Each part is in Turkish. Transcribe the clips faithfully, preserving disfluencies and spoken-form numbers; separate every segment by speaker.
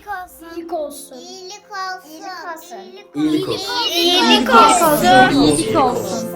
Speaker 1: olsun.
Speaker 2: İyilik olsun.
Speaker 1: İyilik olsun.
Speaker 3: İyilik olsun.
Speaker 1: İyilik
Speaker 2: olsun.
Speaker 1: İyilik olsun.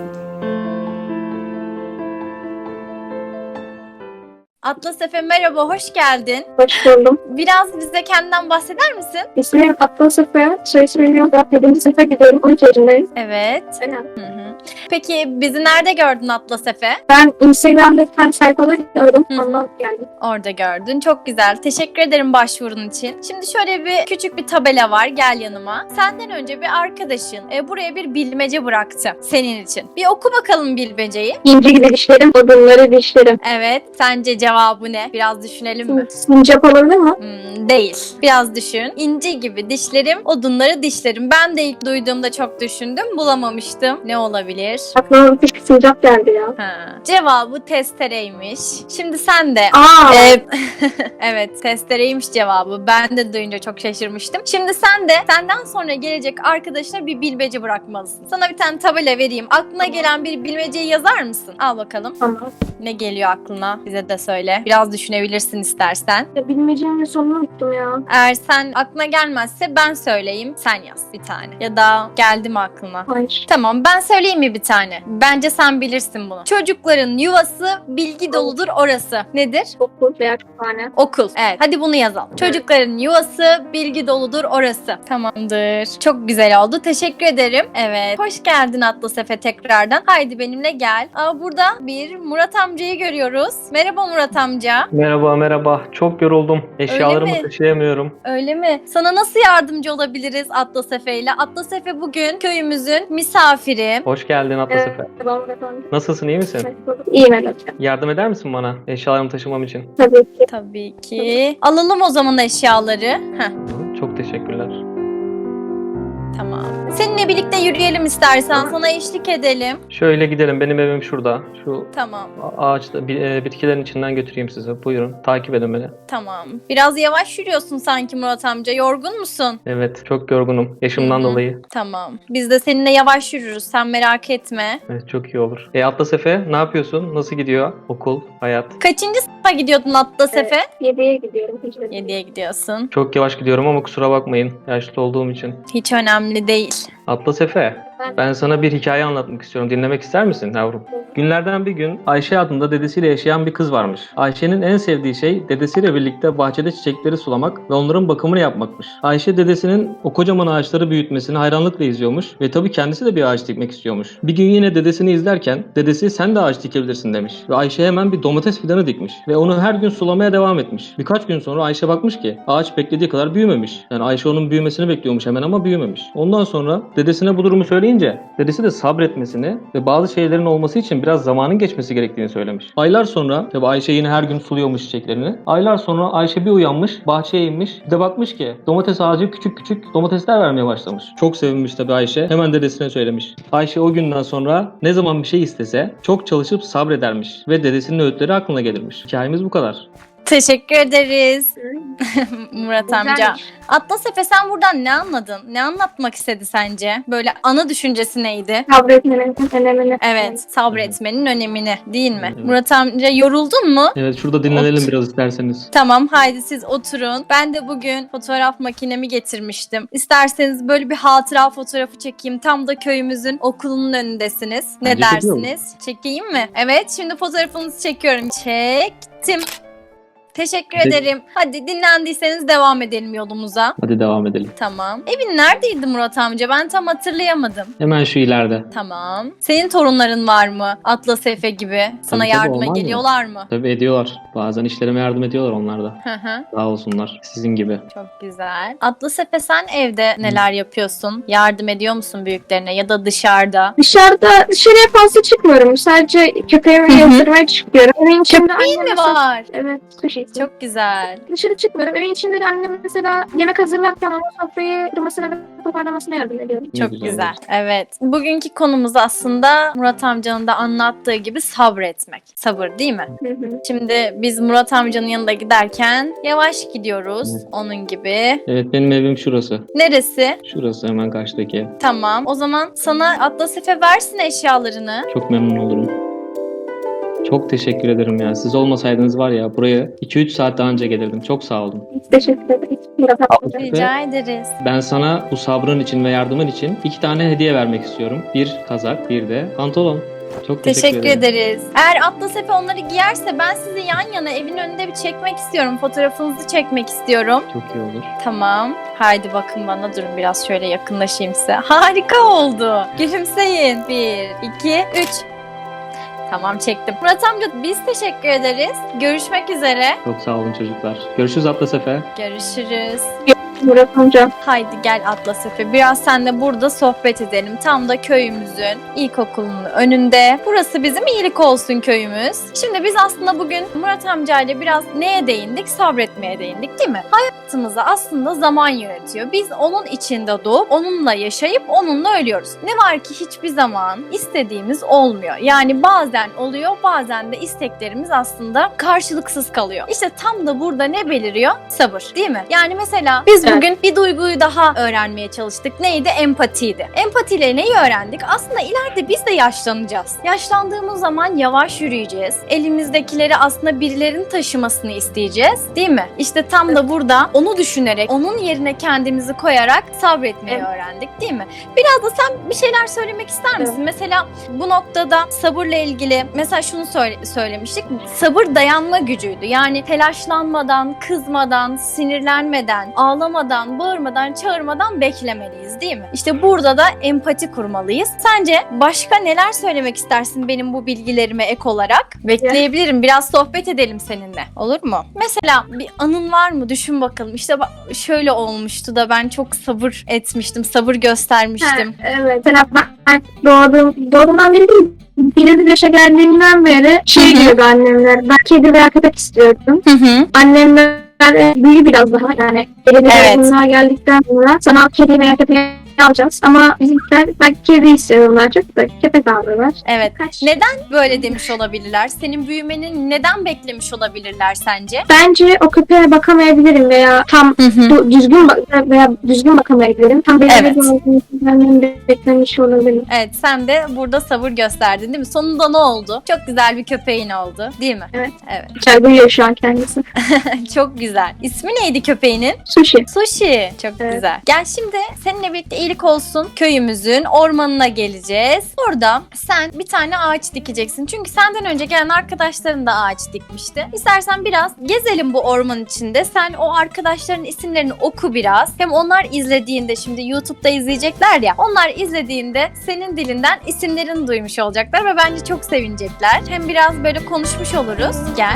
Speaker 4: Atlas Efe merhaba, hoş geldin.
Speaker 5: Hoş buldum.
Speaker 4: Biraz bize kendinden bahseder misin?
Speaker 5: İsmim Atlas Efe. Soy ismim Yolda. yedinci sınıfa gidiyorum. on iki yaşındayım.
Speaker 4: Evet.
Speaker 5: Aynen.
Speaker 4: Hı hı. Peki bizi nerede gördün Atlas Efe?
Speaker 5: Ben Instagram'da bir tane sayfaları gördüm.
Speaker 4: Hı hı.
Speaker 5: Ondan geldim.
Speaker 4: Orada gördün. Çok güzel. Teşekkür ederim başvurun için. Şimdi şöyle bir küçük bir tabela var. Gel yanıma. Senden önce bir arkadaşın e, buraya bir bilmece bıraktı senin için. Bir oku bakalım bilmeceyi.
Speaker 5: İnci gibi dişlerim, odunları dişlerim.
Speaker 4: Evet. Sence cevabı ne? Biraz düşünelim mi?
Speaker 5: Sincap olabilir mi?
Speaker 4: Hmm, değil. Biraz düşün. İnci gibi dişlerim, odunları dişlerim. Ben de ilk duyduğumda çok düşündüm. Bulamamıştım. Ne olabilir?
Speaker 5: Aklıma bir küçük sincap geldi ya.
Speaker 4: Ha. Cevabı testereymiş. Şimdi sen de
Speaker 5: Aa!
Speaker 4: Ee, evet, testereymiş cevabı. Ben de duyunca çok şaşırmıştım. Şimdi sen de senden sonra gelecek arkadaşına bir bilmece bırakmalısın. Sana bir tane tabela vereyim. Aklına gelen bir bilmeceyi yazar mısın? Al bakalım.
Speaker 5: Tamam.
Speaker 4: Ne geliyor aklına? Bize de söyle. Biraz düşünebilirsin istersen.
Speaker 5: Ya bilmeceğimin sonunu unuttum ya.
Speaker 4: Eğer sen aklına gelmezse ben söyleyeyim. Sen yaz bir tane. Ya da geldi mi aklına?
Speaker 5: Hayır.
Speaker 4: Tamam, ben söyleyeyim mi bir tane? Bence sen bilirsin bunu. Çocukların yuvası bilgi doludur orası. Nedir?
Speaker 5: Okul veya kütüphane.
Speaker 4: Okul. Evet. Hadi bunu yazalım. Çocukların yuvası bilgi doludur orası. Tamamdır. Çok güzel oldu. Teşekkür ederim. Evet. Hoş geldin Atlas Efe tekrardan. Haydi benimle gel. Aa, burada bir Murat amcayı görüyoruz. Merhaba Murat amca.
Speaker 3: Merhaba merhaba. Çok yoruldum. Eşyalarımı
Speaker 4: mi?
Speaker 3: taşıyamıyorum.
Speaker 4: Öyle mi? Sana nasıl yardımcı olabiliriz Atlas Efe ile? Atlas Efe bugün köyümüzün misafiri.
Speaker 3: Hoş geldin Atlas
Speaker 5: Evet.
Speaker 3: Efe.
Speaker 5: Tamam efendim.
Speaker 3: Nasılsın, iyi misin?
Speaker 5: İyiyim evet.
Speaker 3: Yardım eder misin bana eşyalarımı taşımam için?
Speaker 5: Tabii ki.
Speaker 4: Tabii ki. Alalım o zaman eşyaları. Heh,
Speaker 3: Hı, Çok teşekkürler.
Speaker 4: tamam. Seninle birlikte yürüyelim istersen. Sana eşlik edelim.
Speaker 3: Şöyle gidelim. Benim evim şurada. Şu
Speaker 4: Tamam.
Speaker 3: a- ağaçta bi- e, bitkilerin içinden götüreyim sizi. Buyurun. Takip edin beni.
Speaker 4: Tamam. Biraz yavaş yürüyorsun sanki Murat amca. Yorgun musun?
Speaker 3: Evet. Çok yorgunum. Yaşımdan
Speaker 4: Hı hı.
Speaker 3: dolayı.
Speaker 4: Tamam. Biz de seninle yavaş yürürüz. Sen merak etme.
Speaker 3: Evet. Çok iyi olur. E Atlas Efe ne yapıyorsun? Nasıl gidiyor? Okul, hayat.
Speaker 4: Kaçıncı sınıfa gidiyordun Atlas
Speaker 5: Evet.
Speaker 4: Efe?
Speaker 5: Yediye gidiyorum. Hicret.
Speaker 4: Yediye gidiyorsun.
Speaker 3: Çok yavaş gidiyorum ama kusura bakmayın. Yaşlı olduğum için.
Speaker 4: Hiç önemli değil.
Speaker 3: Atlas Efe, ben sana bir hikaye anlatmak istiyorum. Dinlemek ister misin yavrum? Günlerden bir gün Ayşe adında dedesiyle yaşayan bir kız varmış. Ayşe'nin en sevdiği şey dedesiyle birlikte bahçede çiçekleri sulamak ve onların bakımını yapmakmış. Ayşe dedesinin o kocaman ağaçları büyütmesini hayranlıkla izliyormuş ve tabii kendisi de bir ağaç dikmek istiyormuş. Bir gün yine dedesini izlerken dedesi sen de ağaç dikebilirsin demiş ve Ayşe hemen bir domates fidanı dikmiş ve onu her gün sulamaya devam etmiş. Birkaç gün sonra Ayşe bakmış ki ağaç beklediği kadar büyümemiş. Yani Ayşe onun büyümesini bekliyormuş hemen ama büyümemiş. Ondan sonra dedesine bu durumu söyleyince dedesi de sabretmesini ve bazı şeylerin olması için biraz zamanın geçmesi gerektiğini söylemiş. Aylar sonra tabii Ayşe yine her gün suluyormuş çiçeklerini. Aylar sonra Ayşe bir uyanmış, bahçeye inmiş. Bir de bakmış ki domates ağacı küçük küçük domatesler vermeye başlamış. Çok sevinmiş tabii Ayşe. Hemen dedesine söylemiş. Ayşe o günden sonra ne zaman bir şey istese çok çalışıp sabredermiş ve dedesinin öğütleri aklına gelirmiş. Hikayemiz bu kadar.
Speaker 4: Teşekkür ederiz Murat amca.
Speaker 5: Güzelmiş.
Speaker 4: Atlas Efe sen buradan ne anladın? Ne anlatmak istedi sence? Böyle ana düşüncesi neydi?
Speaker 5: Sabretmenin önemini.
Speaker 4: Evet, sabretmenin önemini değil mi?
Speaker 3: Evet.
Speaker 4: Murat amca yoruldun mu?
Speaker 3: Evet, şurada dinlenelim
Speaker 4: Ot.
Speaker 3: biraz isterseniz.
Speaker 4: Tamam, haydi siz oturun. Ben de bugün fotoğraf makinemi getirmiştim. İsterseniz böyle bir hatıra fotoğrafı çekeyim. Tam da köyümüzün okulunun önündesiniz. Ne
Speaker 3: Bence çekiyor
Speaker 4: dersiniz? Çekeyim mi? Evet, şimdi fotoğrafınızı çekiyorum. Çektim. Teşekkür
Speaker 3: Hadi.
Speaker 4: ederim. Hadi dinlendiyseniz devam edelim yolumuza.
Speaker 3: Hadi devam edelim.
Speaker 4: Tamam. Evin neredeydi Murat amca? Ben tam hatırlayamadım.
Speaker 3: Hemen şu ileride.
Speaker 4: Tamam. Senin torunların var mı? Atlas Efe gibi. Sana
Speaker 3: tabii,
Speaker 4: yardıma
Speaker 3: olmaz mı?
Speaker 4: geliyorlar mı?
Speaker 3: Tabii ediyorlar. Bazen işlerime yardım ediyorlar onlar da.
Speaker 4: Hı hı.
Speaker 3: Sağ olsunlar. Sizin gibi.
Speaker 4: Çok güzel. Atlas Efe sen evde neler yapıyorsun? Yardım ediyor musun büyüklerine ya da dışarıda?
Speaker 5: Dışarıda dışarıya fazla çıkmıyorum. Sadece köpeğimi
Speaker 4: Hı hı.
Speaker 5: yazdırmaya çıkıyorum. Evin içinde
Speaker 4: Köpeğin
Speaker 5: annem
Speaker 4: mi
Speaker 5: mesela-
Speaker 4: var?
Speaker 5: Evet. Sushi.
Speaker 4: Çok güzel.
Speaker 5: Dışarı çıkmıyorum. Evin içinde de annem mesela yemek hazırlarken ama sofrayı kırmasına ve toparlamasına yardım ediyorum.
Speaker 3: Ne
Speaker 4: Çok
Speaker 3: güzel.
Speaker 4: güzel. Evet. Bugünkü konumuz aslında Murat amcanın da anlattığı gibi sabretmek. Sabır değil mi?
Speaker 5: Hı hı.
Speaker 4: Şimdi biz Murat amcanın yanında giderken yavaş gidiyoruz.
Speaker 3: Evet.
Speaker 4: Onun gibi.
Speaker 3: Evet, benim evim şurası.
Speaker 4: Neresi?
Speaker 3: Şurası hemen karşıdaki ev.
Speaker 4: Tamam. O zaman sana Atlas Efe versin eşyalarını.
Speaker 3: Çok memnun olurum. Çok teşekkür ederim ya. Siz olmasaydınız var ya buraya iki üç saat daha önce gelirdim. Çok sağ olun.
Speaker 5: Teşekkür ederim. Murat amca.
Speaker 4: Rica ederiz.
Speaker 3: Ben sana bu sabrın için ve yardımın için iki tane hediye vermek istiyorum. Bir kazak, bir de pantolon. Çok teşekkür,
Speaker 4: Teşekkür
Speaker 3: ederim.
Speaker 4: ederiz. Eğer Atlas Efe onları giyerse ben sizi yan yana evin önünde bir çekmek istiyorum. Fotoğrafınızı çekmek istiyorum.
Speaker 3: Çok iyi olur.
Speaker 4: Tamam. Haydi bakın bana, durun biraz şöyle yakınlaşayım size. Harika oldu. Gülümseyin. Bir, iki, üç. Tamam, çektim. Murat amca biz teşekkür ederiz. Görüşmek üzere.
Speaker 3: Çok sağ olun çocuklar. Görüşürüz Atlas Efe.
Speaker 4: Görüşürüz.
Speaker 5: Murat amca.
Speaker 4: Haydi gel Atlas Efe. Biraz seninle burada sohbet edelim. Tam da köyümüzün ilkokulunun önünde. Burası bizim iyilik olsun köyümüz. Şimdi biz aslında bugün Murat amcayla biraz neye değindik? Sabretmeye değindik, değil mi? Hayatımızı aslında zaman yönetiyor. Biz onun içinde doğup onunla yaşayıp onunla ölüyoruz. Ne var ki hiçbir zaman istediğimiz olmuyor. Yani bazen oluyor, bazen de isteklerimiz aslında karşılıksız kalıyor. İşte tam da burada ne beliriyor? Sabır, değil mi? Yani mesela biz
Speaker 5: Evet.
Speaker 4: bugün bir duyguyu daha öğrenmeye çalıştık. Neydi? Empatiydi. Empatiyle neyi öğrendik? Aslında ileride biz de yaşlanacağız. Yaşlandığımız zaman yavaş yürüyeceğiz. Elimizdekileri aslında birilerinin taşımasını isteyeceğiz. Değil mi? İşte tam da burada onu düşünerek, onun yerine kendimizi koyarak sabretmeyi
Speaker 5: Evet.
Speaker 4: öğrendik, değil mi? Biraz da sen bir şeyler söylemek ister misin?
Speaker 5: Evet.
Speaker 4: Mesela bu noktada sabırla ilgili mesela şunu söyle- söylemiştik. Sabır dayanma gücüydü. Yani telaşlanmadan, kızmadan, sinirlenmeden, ağlamadan, bağırmadan, çağırmadan beklemeliyiz, değil mi? İşte burada da empati kurmalıyız. Sence başka neler söylemek istersin benim bu bilgilerime ek olarak? Bekleyebilirim. Biraz sohbet edelim seninle. Olur mu? Mesela bir anın var mı? Düşün bakalım. İşte bak şöyle olmuştu da ben çok sabır etmiştim, sabır göstermiştim.
Speaker 5: Ha, evet. Mesela ben doğduğum, doğduğumdan beri değil, birinci yaşa geldiğimden beri şey
Speaker 4: Hı hı.
Speaker 5: diyordu annemler. Ben kedi veya köpek istiyordum.
Speaker 4: Hı hı.
Speaker 5: Annemler e, büyü biraz daha, yani belediye
Speaker 4: Evet.
Speaker 5: bunlar geldikten sonra sana kedi veya köpeği alacağız. Ama bizimkiler ben kedi istiyorlar, çok da köpek aldılar.
Speaker 4: Evet.
Speaker 5: Kaç?
Speaker 4: Neden böyle demiş olabilirler? Senin büyümeni neden beklemiş olabilirler sence?
Speaker 5: Bence o köpeğe bakamayabilirim veya tam
Speaker 4: Hı hı.
Speaker 5: du- düzgün bak- veya düzgün bakamayabilirim. Tam benim
Speaker 4: Evet.
Speaker 5: evet. beklemiş olabilirim.
Speaker 4: Evet, sen de burada sabır gösterdin, değil mi? Sonunda ne oldu? Çok güzel bir köpeğin oldu, değil mi?
Speaker 5: Evet.
Speaker 4: Evet.
Speaker 5: Güzel duyuyor şu an kendisi.
Speaker 4: Çok güzel. İsmi neydi köpeğinin?
Speaker 5: Sushi.
Speaker 4: Sushi. Çok
Speaker 5: Evet.
Speaker 4: güzel. Gel şimdi seninle birlikte iyilik olsun köyümüzün ormanına geleceğiz. Orada sen bir tane ağaç dikeceksin. Çünkü senden önce gelen arkadaşların da ağaç dikmişti. İstersen biraz gezelim bu orman içinde. Sen o arkadaşların isimlerini oku biraz. Hem onlar izlediğinde, şimdi YouTube'da izleyecekler ya. Onlar izlediğinde senin dilinden isimlerini duymuş olacaklar ve bence çok sevinecekler. Hem biraz böyle konuşmuş oluruz. Gel.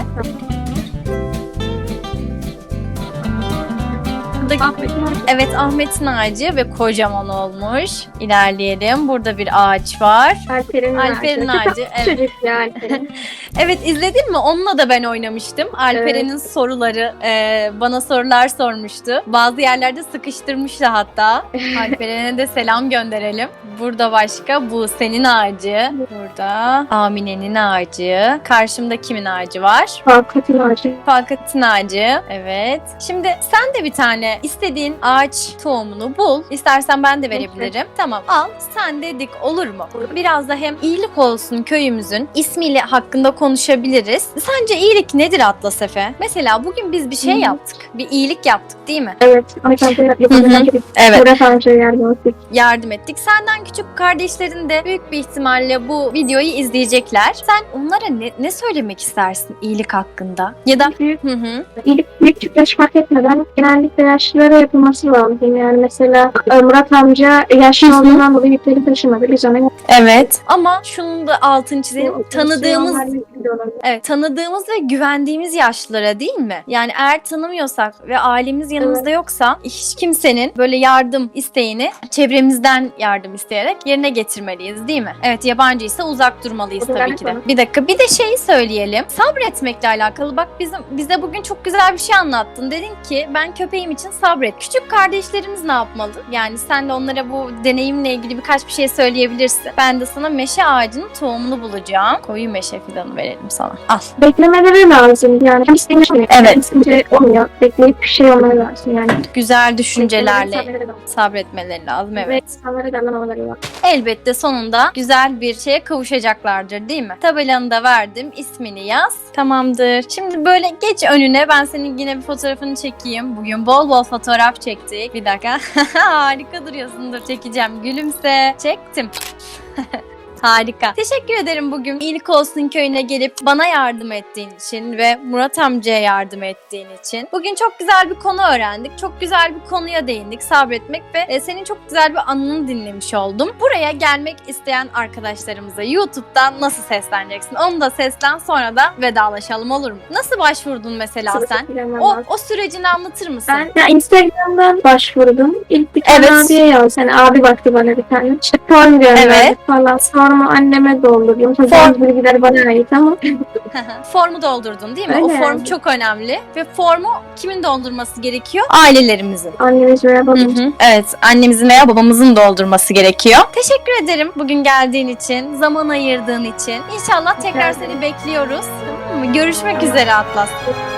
Speaker 4: Buradaki- Evet, Ahmet'in ağacı ve kocaman olmuş. İlerleyelim. Burada bir ağaç var.
Speaker 5: Alper'in
Speaker 4: Alper'in
Speaker 5: ağacı.
Speaker 4: ağacı,
Speaker 5: Çok
Speaker 4: evet.
Speaker 5: Çocuk ya Alper'in.
Speaker 4: Evet, izledin mi? Onunla da ben oynamıştım. Alperen'in soruları, e, bana sorular sormuştu. Bazı yerlerde sıkıştırmıştı hatta. Alperen'e de selam gönderelim. Burada başka Buse'nin ağacı. Burada Amine'nin ağacı. Karşımda kimin ağacı var?
Speaker 5: Fakat'ın ağacı.
Speaker 4: Fakat'ın ağacı. Evet. Şimdi sen de bir tane istediğin ağaç tohumunu bul. İstersen ben de verebilirim. Tamam, al. Sen de dik, olur mu? Biraz da hem iyilik olsun köyümüzün ismiyle hakkında konuşabiliriz. Sence iyilik nedir Atlas Efe? Mesela bugün biz bir şey
Speaker 5: Hı.
Speaker 4: yaptık. Bir iyilik yaptık, değil mi?
Speaker 5: Evet. Alper'in yapamadan
Speaker 4: Evet.
Speaker 5: Murat amcaya yardım ettik.
Speaker 4: Yardım ettik. Senden küçük kardeşlerin de büyük bir ihtimalle bu videoyu izleyecekler. Sen onlara ne, ne söylemek istersin iyilik hakkında? Ya da
Speaker 5: Büyük,
Speaker 4: hı hı.
Speaker 5: iyilik büyük küçük yaş fark etmeden genellikle yaşlılara yapılması lazım. Yani mesela e, Murat amca yaşlı
Speaker 4: Hı hı.
Speaker 5: olduğundan dolayı yükleri taşımadı. Biz ona
Speaker 4: Evet. Ama şunun da altını çizelim. Tanıdığımız
Speaker 5: Tanıdığımız
Speaker 4: Evet, tanıdığımız ve güvendiğimiz yaşlılara, değil mi? Yani eğer tanımıyorsak ve ailemiz yanımızda yoksa hiç kimsenin böyle yardım isteğini çevremizden yardım isteyerek yerine getirmeliyiz, değil mi? Evet, yabancıysa uzak durmalıyız
Speaker 5: Evet,
Speaker 4: tabii ki de.
Speaker 5: evet.
Speaker 4: Bir dakika, bir de şeyi söyleyelim. Sabretmekle alakalı bak, bizim bize bugün çok güzel bir şey anlattın. Dedin ki ben köpeğim için sabret. Küçük kardeşlerimiz ne yapmalı? Yani sen de onlara bu deneyimle ilgili birkaç bir şey söyleyebilirsin. Ben de sana meşe ağacının tohumunu bulacağım. Koyu meşe fidanı verelim. verelim sana. Al.
Speaker 5: Beklemeleri lazım yani. Hem isteyince olmuyor.
Speaker 4: Evet.
Speaker 5: Hem isteyince olmuyor. Bekleyip bir şey olmaları lazım yani.
Speaker 4: Güzel düşüncelerle
Speaker 5: Beklemeleri lazım.
Speaker 4: sabretmeleri lazım. Evet.
Speaker 5: Ve insanlara da anlamaları lazım.
Speaker 4: Elbette sonunda güzel bir şeye kavuşacaklardır değil mi? Tabelanı da verdim. İsmini yaz. Tamamdır. Şimdi böyle geç önüne. Ben senin yine bir fotoğrafını çekeyim. Bugün bol bol fotoğraf çektik. Bir dakika. Harika duruyorsun. Dur çekeceğim. Gülümse. Çektim. Harika. Teşekkür ederim bugün İyilik Olsun Köyü'ne gelip bana yardım ettiğin için ve Murat amcaya yardım ettiğin için. Bugün çok güzel bir konu öğrendik. Çok güzel bir konuya değindik. Sabretmek ve e, senin çok güzel bir anını dinlemiş oldum. Buraya gelmek isteyen arkadaşlarımıza YouTube'dan nasıl sesleneceksin? Onu da seslen, sonra da vedalaşalım, olur mu? Nasıl başvurdun mesela sen? O, o sürecini anlatır mısın?
Speaker 5: Ben ya Instagram'dan başvurdum. İlk bir tane
Speaker 4: Evet.
Speaker 5: abiye yazdım. Yani abi baktı bana bir tane. İşte form gönderdi
Speaker 4: Evet.
Speaker 5: falan. Sonra anneme doldurdum. Tabii
Speaker 4: Form-
Speaker 5: bazı bilgiler bana ait ama.
Speaker 4: Formu doldurdun değil mi?
Speaker 5: Öyle
Speaker 4: O form
Speaker 5: yani.
Speaker 4: çok önemli ve formu kimin doldurması gerekiyor? Ailelerimizin.
Speaker 5: Annemiz veya
Speaker 4: Hı
Speaker 5: babamız.
Speaker 4: hı. Evet, annemizin veya babamızın doldurması gerekiyor. Teşekkür ederim bugün geldiğin için, zaman ayırdığın için. İnşallah tekrar
Speaker 5: ederim.
Speaker 4: seni bekliyoruz. Tamam mı? Görüşmek üzere Atlas.